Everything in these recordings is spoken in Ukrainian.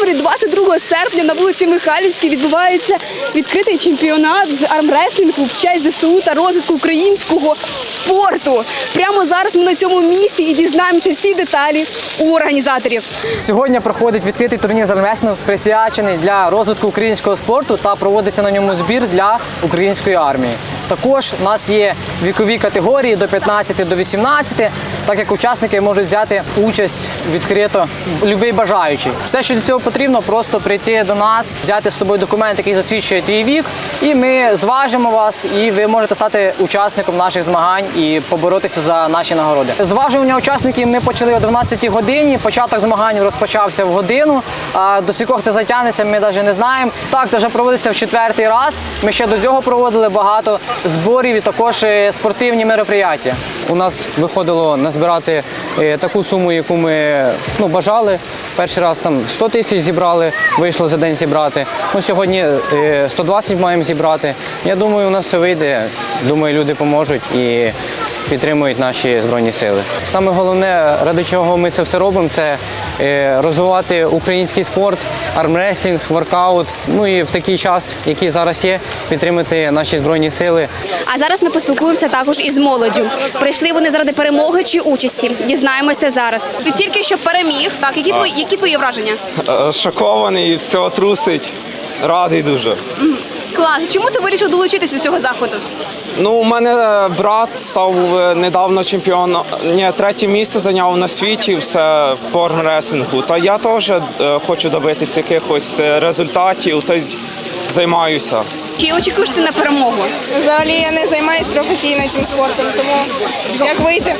Житомирі 22 серпня на вулиці Михайлівській відбувається відкритий чемпіонат з армреслінгу в честь ЗСУ та розвитку українського спорту. Прямо зараз ми на цьому місці і дізнаємося всі деталі у організаторів. Сьогодні проходить відкритий турнір з армреслінгу, присвячений для розвитку українського спорту та проводиться на ньому збір для української армії. Також у нас є вікові категорії до 15 до 18, так як учасники можуть взяти участь відкрито будь-який бажаючий. Все, що для цього потрібно, просто прийти до нас, взяти з собою документ, який засвідчує твій вік, і ми зважимо вас, і ви можете стати учасником наших змагань і поборотися за наші нагороди. Зважування учасників ми почали о 12 годині, початок змагань розпочався в годину, а до скількох це затягнеться, ми навіть не знаємо. Так, це вже проводиться в 4-й раз, ми ще до цього проводили багато зборів і також спортивні мероприятия. У нас виходило назбирати таку суму, яку ми бажали. Перший раз там 100 тисяч зібрали, вийшло за день зібрати. Сьогодні 120 маємо зібрати. Я думаю, у нас все вийде. Думаю, люди поможуть і підтримують наші Збройні Сили. Саме головне, ради чого ми це все робимо, це розвивати український спорт, армреслінг, воркаут. І в такий час, який зараз є, підтримати наші Збройні Сили. А зараз ми поспілкуємося також із молоддю. Прийшли вони заради перемоги чи участі? Дізнаємося зараз. Ти тільки що переміг, так? Які твої враження? Шокований, все трусить, радий дуже. Клас. Чому ти вирішив долучитися до цього заходу? У мене брат став недавно чемпіоном, третє місце зайняв на світі все по армреслінгу. Та я теж хочу добитися якихось результатів, та займаюся. Чи очікуєш ти на перемогу? Взагалі я не займаюся професійно цим спортом, тому як вийти,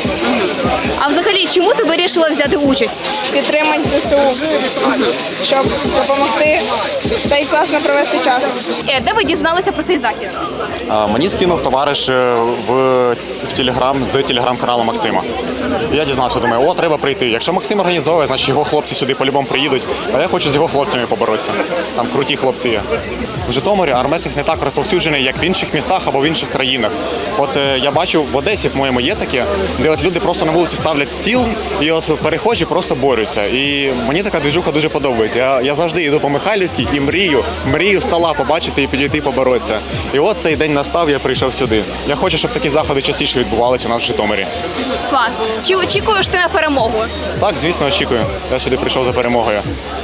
А взагалі, чому ти вирішила взяти участь? підтримати ЗСУ, щоб допомогти та й класно провести час. Де ви дізналися про цей захід? Мені скинув товариш в Телеграм з телеграм-каналу Максима. Я дізнався, думаю, треба прийти. Якщо Максим організовує, значить його хлопці сюди по-любому приїдуть. А я хочу з його хлопцями поборотися. Там круті хлопці є. В Житомирі армреслінг не так розповсюджений, як в інших містах або в інших країнах. Я бачив, в Одесі, по-моєму, є таке, де люди просто на вулиці ставлять стіл і перехожі просто борються. І мені така движуха дуже подобається. Я завжди йду по Михайлівській і мрію стола побачити і підійти поборотися. І от цей день настав, я прийшов сюди. Я хочу, щоб такі заходи частіше відбувалися у нас в Житомирі. Клас. Чи очікуєш ти на перемогу? Так, звісно, очікую. Я сюди прийшов за перемогою.